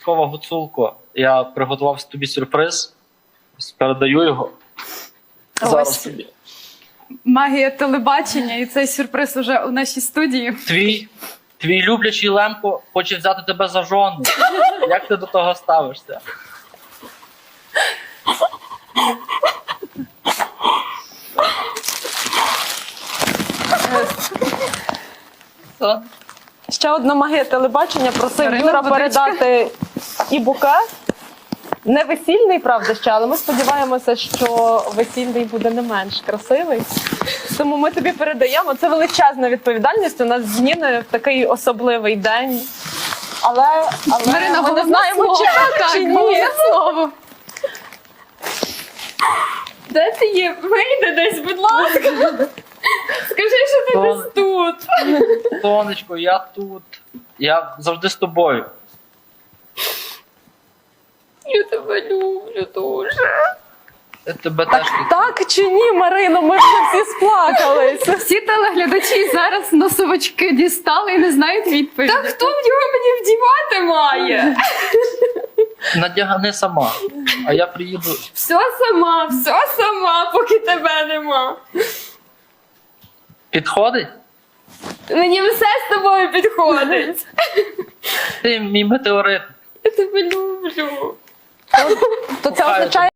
Гуцулко, я приготував тобі сюрприз. Передаю його. Зараз Ось. тобі. Магія телебачення, і цей сюрприз уже у нашій студії. Твій люблячий Лемко хоче взяти тебе за жону. Як ти до того ставишся? Ще одна магія телебачення. Просив Марина, Юра водичка. передати і букет. Не весільний, правда, ще, але ми сподіваємося, що весільний буде не менш красивий. Тому ми тобі передаємо. Це величезна відповідальність. У нас з Ніною в такий особливий день. Але Марина, ми не головне знаємо, слово. чи так, Так, чи ні. головне слово. Де ти є? Вийди десь, будь ласка. Скажи, що ти десь тут. Сонечко, я тут. Я завжди з тобою. Я тебе люблю дуже. Я тебе теж люблю. Так чи ні, Марино? Ми вже всі сплакалися. Всі телеглядачі зараз носовички дістали і не знають відповіді. Та хто в нього мені вдівати має? Надягни сама, а я приїду. Все сама, поки тебе нема. Підходить? Мені все з тобою підходить. Ти мій метеорит. Я тебе люблю. То це означає,